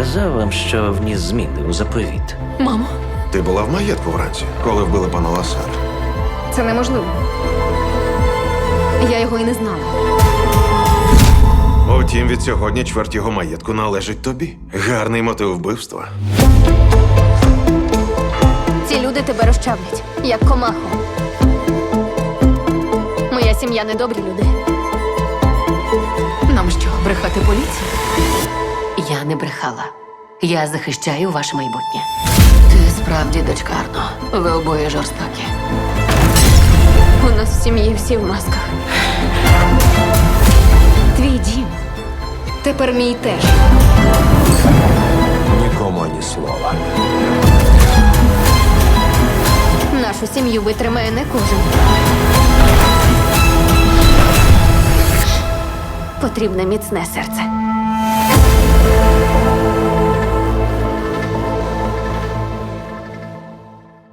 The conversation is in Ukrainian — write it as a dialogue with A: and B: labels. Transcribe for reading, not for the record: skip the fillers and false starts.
A: казав вам, що вніс зміни у заповіт?
B: Мамо,
C: Ти була в маєтку вранці, коли вбили пана Ласара.
B: це неможливо. Я його і не знала.
C: Утім, від сьогодні чверть його маєтку належить тобі. Гарний мотив вбивства.
B: Ці люди тебе розчавлять, як комаху. Моя сім'я недобрі люди.
D: Нам що, брехати поліції? Я не брехала. Я захищаю ваше майбутнє. Ти справді дочка Арно. Ви обоє жорстокі.
B: У нас в сім'ї всі в масках. Твій дім. Тепер мій теж.
E: Нікому ні слова.
B: Нашу сім'ю витримає не кожен. Потрібне міцне серце.